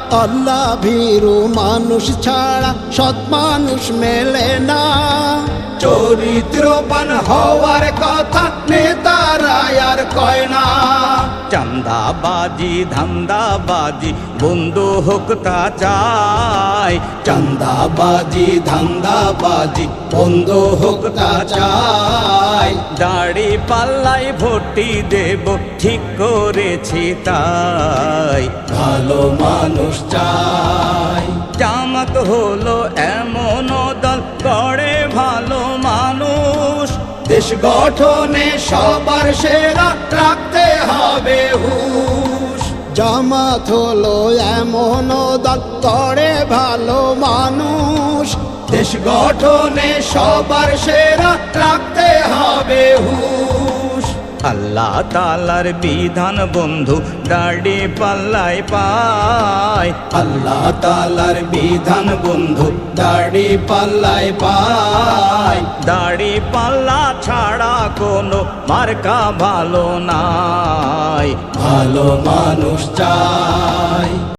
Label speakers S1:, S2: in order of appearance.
S1: আল্লাহ ভীরু মানুষ ছাড়া সৎ মানুষ মেলে না। চরিত্রবান হওয়ার কথা নেতারা আর কয় না।
S2: চান্দাবাজি ধান্দাবাজি বন্ধ হোক তা চাই।
S1: চান্দাবাজি ধান্দাবাজি বন্ধ হোক তা চাই।
S2: দাড়ি পাল্লাই ভোটই দেব ঠিক করেছি তাই।
S1: ভালো মানুষ চাই।
S2: জামাত হলো এমন দল গড়ে ভালো মানুষ।
S1: দেশ গঠনে সবার সেরা রাখতে হবে হুঁশ। জামাত হলো এমন দল গড়ে ভালো মানুষ। দেশ গঠনে সবার সেরা রাখতে হবে হুঁশ।
S2: আল্লাহ তাআলার বিধান বন্ধু দাড়ি পাল্লাই পায়।
S1: আল্লাহ তাআলার বিধান বন্ধু দাড়ি পাল্লায় পায়।
S2: দাড়ি পাল্লা ছাড়া কোনো মার্কা ভালো নাই।
S1: ভালো মানুষ চাই।